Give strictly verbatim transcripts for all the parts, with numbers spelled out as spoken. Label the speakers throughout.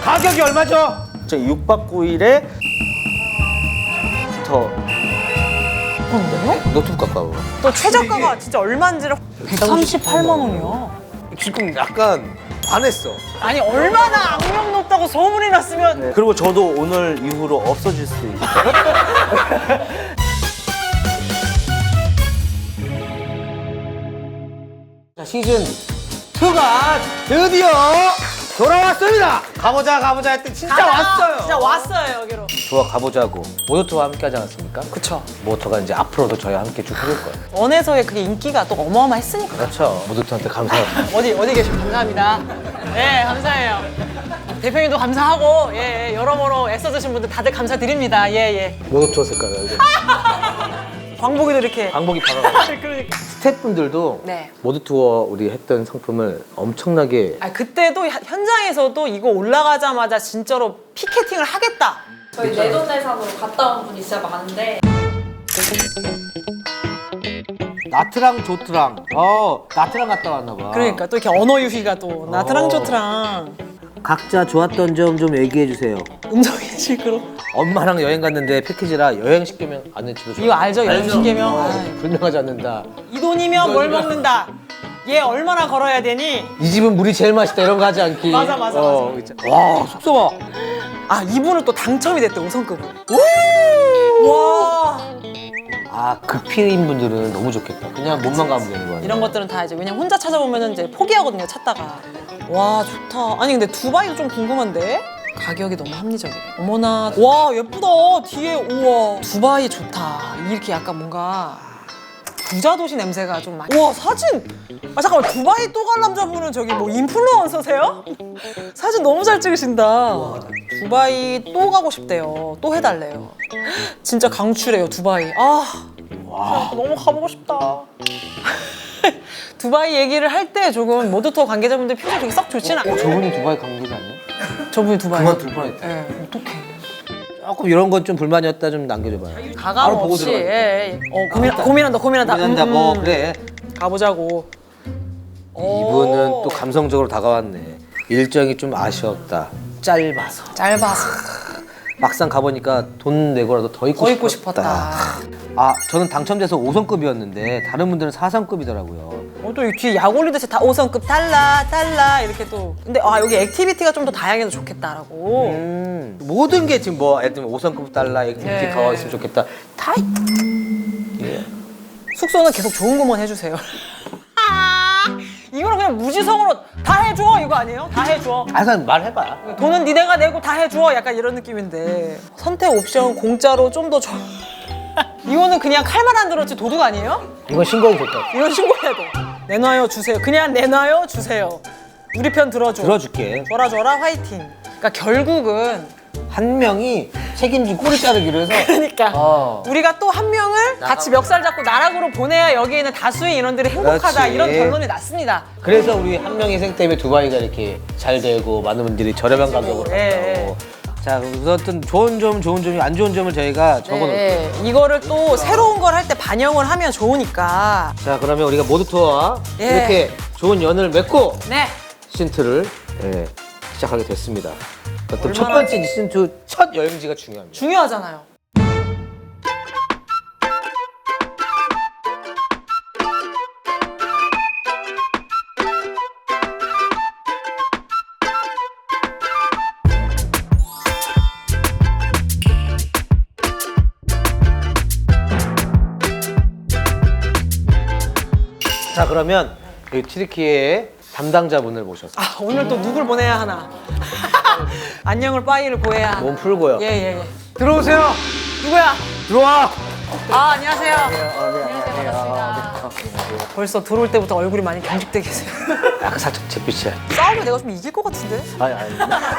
Speaker 1: 가격이 얼마죠? 저 육 박 구 일에 더
Speaker 2: 그런데요?
Speaker 3: 노트북 가까워.
Speaker 2: 또 최저가가 진짜 얼마인지를 백삼십팔만 원이야.
Speaker 3: 지금 약간 반했어.
Speaker 2: 아니 얼마나 악명 높다고 소문이 났으면.
Speaker 1: 네. 그리고 저도 오늘 이후로 없어질 수도 있고.
Speaker 3: 자, 시즌 이가 드디어 돌아왔습니다. 가보자 가보자 했더니 진짜
Speaker 2: 가자.
Speaker 3: 왔어요.
Speaker 2: 진짜 왔어요 여기로.
Speaker 3: 좋아 가보자고. 모더토와 함께 하지 않았습니까?
Speaker 2: 그쵸.
Speaker 3: 모더토가 이제 앞으로도 저희와 함께 쭉 해볼 거예요.
Speaker 2: 원에서의 그게 인기가 또 어마어마했으니까.
Speaker 3: 그렇죠. 모더토한테 감사합니다.
Speaker 2: 어디 어디 계시고 감사합니다. 예, 감사해요. 대표님도 감사하고 예, 예, 여러모로 애써주신 분들 다들 감사드립니다. 예, 예.
Speaker 3: 모더토 색깔 알죠?
Speaker 2: 광복이도 이렇게.
Speaker 3: 광복이 바로
Speaker 2: 그러니까.
Speaker 3: 스태프분들도
Speaker 2: 네.
Speaker 3: 모더투어 우리 했던 상품을 엄청나게
Speaker 2: 아 그때도 현- 현장에서도 이거 올라가자마자 진짜로 피켓팅을 하겠다.
Speaker 4: 저희 내돈내산으로 갔다 온 분이 진짜 많은데
Speaker 3: 나트랑 조트랑 어 나트랑 갔다 왔나 봐.
Speaker 2: 그러니까 또 이렇게 언어 유희가 또 나트랑
Speaker 3: 어.
Speaker 2: 조트랑
Speaker 3: 각자 좋았던 점 좀 얘기해 주세요.
Speaker 2: 음성이 시끄러.
Speaker 3: 엄마랑 여행 갔는데 패키지라 여행 시키면 안 집에서
Speaker 2: 이거 알죠? 연식계명. 아,
Speaker 3: 불명하지 않는다.
Speaker 2: 이 돈이면 뭘 먹는다. 얘 얼마나 걸어야 되니?
Speaker 3: 이 집은 물이 제일 맛있다 이런 거 하지 않기.
Speaker 2: 맞아, 맞아,
Speaker 3: 어,
Speaker 2: 맞아.
Speaker 3: 그치. 와 숙소 봐.
Speaker 2: 아 이분은 또 당첨이 됐대 우선급으로. 와
Speaker 3: 아 급히인 분들은 너무 좋겠다. 그냥 몸만 가면 되는 거 아니야?
Speaker 2: 이런 것들은 다 이제 왜냐면 혼자 찾아보면 이제 포기하거든요 찾다가. 와 좋다. 아니 근데 두바이도 좀 궁금한데 가격이 너무 합리적이래. 어머나 와 예쁘다 뒤에 우와 두바이 좋다. 이렇게 약간 뭔가 부자 도시 냄새가 좀 많이. 와 사진. 아 잠깐만 두바이 또 갈 남자분은 저기 뭐 인플루언서세요? 사진 너무 잘 찍으신다. 두바이 또 가고 싶대요. 또 해달래요. 진짜 강추래요 두바이. 아 와. 너무 가보고 싶다. 두바이 얘기를 할 때 조금 모드투어 관계자분들 표정이 되게 썩 좋진 않아요.
Speaker 3: 어, 저분이 두바이 관계자 아니야?
Speaker 2: 저분이 두바이.
Speaker 3: 그만둘 뻔했다.
Speaker 2: 예, 어떡해.
Speaker 3: 조금 이런 건 좀 불만이었다 좀 남겨줘봐요.
Speaker 2: 가감
Speaker 3: 바로 보고
Speaker 2: 없이.
Speaker 3: 들어가야
Speaker 2: 예, 예. 어, 고민, 고민한다, 고민한다.
Speaker 3: 고민한다.
Speaker 2: 음,
Speaker 3: 뭐
Speaker 2: 음.
Speaker 3: 그래.
Speaker 2: 가보자고.
Speaker 3: 이분은
Speaker 2: 오.
Speaker 3: 또 감성적으로 다가왔네. 일정이 좀 아쉬웠다. 짧아서.
Speaker 2: 짧아서.
Speaker 3: 막상 가보니까 돈 내고라도 더 입고
Speaker 2: 더 입고
Speaker 3: 싶었다.
Speaker 2: 싶었다.
Speaker 3: 아 저는 당첨돼서 오 성급이었는데 다른 분들은 사 성급이더라고요.
Speaker 2: 어, 또 뒤에 약 올리듯이 다 오 성급 달라, 달라 이렇게 또. 근데 아 여기 액티비티가 좀 더 다양해서 좋겠다라고.
Speaker 3: 음, 모든 게 지금 뭐 예를 들면 오 성급 달라 액티비티
Speaker 2: 네.
Speaker 3: 더 있으면 좋겠다. 다 있... 예.
Speaker 2: 숙소는 계속 좋은 것만 해주세요. 이거는 그냥 무지성으로 다 해줘 이거 아니에요? 다 해줘.
Speaker 3: 항상 말해봐.
Speaker 2: 돈은 니네가 내고 다 해줘 약간 이런 느낌인데 선택 옵션 공짜로 좀 더 줘. 이거는 그냥 칼만 안 들었지 도둑 아니에요?
Speaker 3: 이건 신고하고 좋다.
Speaker 2: 이건 신고해야 돼. 내놔요 주세요. 그냥 내놔요 주세요. 우리 편 들어줘.
Speaker 3: 들어줄게.
Speaker 2: 줘라 줘라 화이팅. 그러니까 결국은
Speaker 3: 한 명이 책임지고 꼬리 자르기로 해서
Speaker 2: 그러니까
Speaker 3: 어.
Speaker 2: 우리가 또 한 명을 같이 멱살 잡고 나락으로 보내야 여기 있는 다수의 인원들이 행복하다
Speaker 3: 그렇지.
Speaker 2: 이런 결론이 났습니다.
Speaker 3: 그래서 우리 한 명의 희생 때문에 두바이가 이렇게 잘 되고 많은 분들이 저렴한 가격으로
Speaker 2: 예,
Speaker 3: 간다고. 자, 우선 좋은 점, 좋은 점이 안 좋은 점을 저희가 적어놓을게요.
Speaker 2: 네, 이거를 또 새로운 걸 할 때 반영을 하면 좋으니까.
Speaker 3: 자, 그러면 우리가 모두 투어와
Speaker 2: 예.
Speaker 3: 이렇게 좋은 연을 맺고
Speaker 2: 네.
Speaker 3: 시즌이를 예, 시작하게 됐습니다. 어떤 첫
Speaker 2: 얼마나-
Speaker 3: 번째 시즌이 첫 여행지가 중요합니다.
Speaker 2: 중요하잖아요.
Speaker 3: 자, 그러면 이 튀르키예의 담당자분을 모셔서
Speaker 2: 아 오늘 또 누굴 보내야 하나. 안녕을 빠이를 보내야 하나.
Speaker 3: 몸 풀고요.
Speaker 2: 예예 예.
Speaker 3: 들어오세요.
Speaker 2: 누구야?
Speaker 3: 들어와.
Speaker 2: 아 안녕하세요. 안녕하세요. 반갑습니다. 벌써 들어올 때부터 얼굴이 많이 경직돼 계세요.
Speaker 3: 약간 살짝 잿빛이야.
Speaker 2: 싸움에 내가 좀 이길 것 같은데?
Speaker 3: 아니, 아니.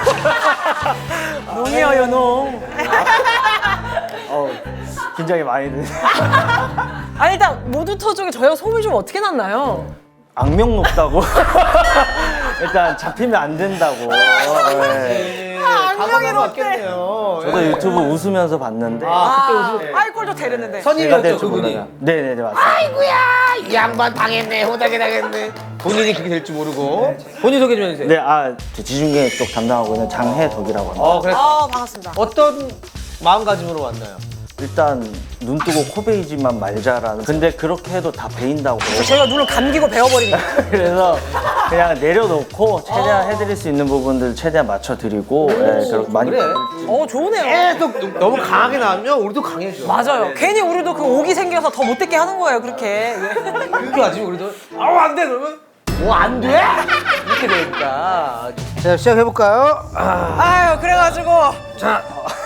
Speaker 2: 농이에요 농.
Speaker 1: 어, 긴장이 많이 돼.
Speaker 2: 아니 일단 모두터 쪽에 저희가 소문이 좀 어떻게 났나요?
Speaker 1: 악명 높다고. 일단 잡히면 안 된다고. 네.
Speaker 2: 아, 악명이 높대.
Speaker 1: 저도 유튜브 웃으면서 봤는데.
Speaker 2: 아, 아이꼴도 데렸는데.
Speaker 1: 제가
Speaker 3: 선임이었죠,
Speaker 1: 될줄
Speaker 3: 그분이.
Speaker 1: 몰라요. 네네네 맞습니다.
Speaker 3: 아이고야, 이 양반 당했네, 호당이 당했네. 본인이 그렇게 될 줄 모르고 본인 소개 좀 해주세요.
Speaker 1: 네, 아, 저 지중계 쪽 담당하고 있는 장혜덕이라고 합니다.
Speaker 3: 어 그래.
Speaker 2: 아 반갑습니다.
Speaker 3: 어떤 마음가짐으로 왔나요?
Speaker 1: 일단 눈 뜨고 코 베이지만 말자라는. 근데 그렇게 해도 다 베인다고.
Speaker 2: 저희가 눈을 감기고 배워버리니까.
Speaker 1: 그래서 그냥 내려놓고 최대한 해드릴 수 있는 부분들 최대한 맞춰드리고 예, 그렇게 많이.
Speaker 3: 그래.
Speaker 2: 어 좋으네요.
Speaker 3: 계속 너무 강하게 나오면 우리도 강해져.
Speaker 2: 맞아요. 괜히 우리도 그 옥이 생겨서 더 못되게 하는 거예요 그렇게.
Speaker 3: 그렇게 하지 우리도. 아우 안 돼 그러면. 뭐 안 돼? 이렇게 되니까. 자 시작해 볼까요? 아,
Speaker 2: 아유 그래가지고
Speaker 3: 자,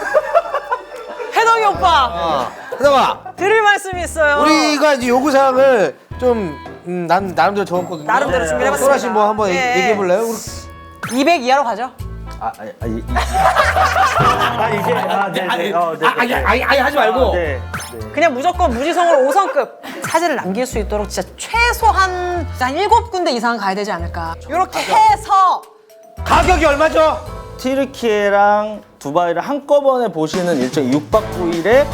Speaker 2: 해덕이 오빠
Speaker 3: 아, 하다가
Speaker 2: 드릴 말씀이 있어요.
Speaker 3: 우리가 이제 요구 사항을 좀 음, 난 나름대로 적었거든요.
Speaker 2: 나름대로 준비해봤습니다.
Speaker 3: 소라 씨 뭐 한번
Speaker 2: 예.
Speaker 3: 얘기해 볼래요?
Speaker 2: 이백 이하로 가죠.
Speaker 1: 아, 아, 아, 이, 이, 아 이게 아, 네, 네, 어, 네,
Speaker 3: 아니 아니 아니 하지 말고.
Speaker 1: 아, 네, 네.
Speaker 2: 그냥 무조건 무지성으로 오 성급 사진을 남길 수 있도록 진짜 최소한 한 일곱 군데 이상 가야 되지 않을까. 이렇게 해서
Speaker 3: 가격이 얼마죠?
Speaker 1: 튀르키예랑 두바이를 한꺼번에 보시는 일정이 육 박 구 일에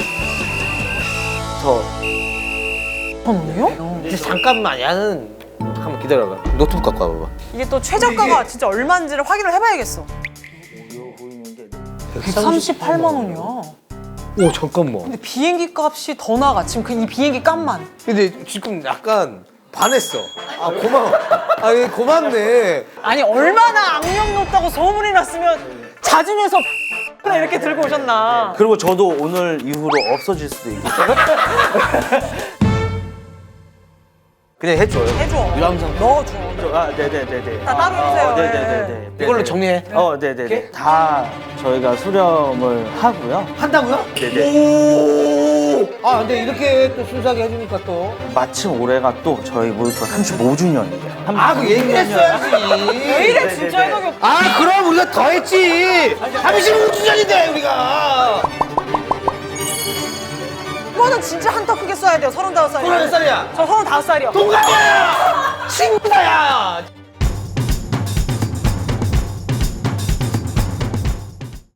Speaker 1: 저
Speaker 2: 번호요?
Speaker 3: 근데 잠깐만 야는 한번 기다려봐. 노트북 갖고 와봐봐.
Speaker 2: 이게 또 최저가가 진짜 얼마인지를 확인을 해봐야겠어. 백삼십팔만 원이야.
Speaker 3: 오 잠깐만.
Speaker 2: 근데 비행기 값이 더 나가. 지금 그 이 비행기 값만.
Speaker 3: 근데 지금 약간 반했어. 아 고마워. 아 이게 고맙네.
Speaker 2: 아니 얼마나 악명 높다고 소문이 났으면 자진해서 이렇게 들고 오셨나.
Speaker 1: 그리고 저도 오늘 이후로 없어질 수도 있겠어요.
Speaker 3: 그냥 해줘요.
Speaker 2: 해줘.
Speaker 3: 유람선.
Speaker 2: 넣어줘.
Speaker 1: 아, 네네네네.
Speaker 2: 다 따로 해주세요.
Speaker 1: 아, 네네네네.
Speaker 3: 이걸로 정리해.
Speaker 1: 어, 네네네. 다 저희가 수령을 하고요.
Speaker 3: 한다고요?
Speaker 1: 네네.
Speaker 3: 오. 아 근데 이렇게 또 순수하게 해주니까 또.
Speaker 1: 마침 올해가 또 저희 모유토 삼십오 주년이에요.
Speaker 3: 아 그 얘기를 했어야지.
Speaker 2: 왜 이래
Speaker 1: 네네네.
Speaker 2: 진짜 해덕이 오빠.
Speaker 3: 아 그럼 우리가 더 했지. 삼십오 주년인데 우리가.
Speaker 2: 이거는 진짜 한턱 크게 쏴야 돼요. 서른다섯 살이요.
Speaker 3: 몇 살이야?
Speaker 2: 저 서른다섯 살이요.
Speaker 3: 동갑이야. 친구야.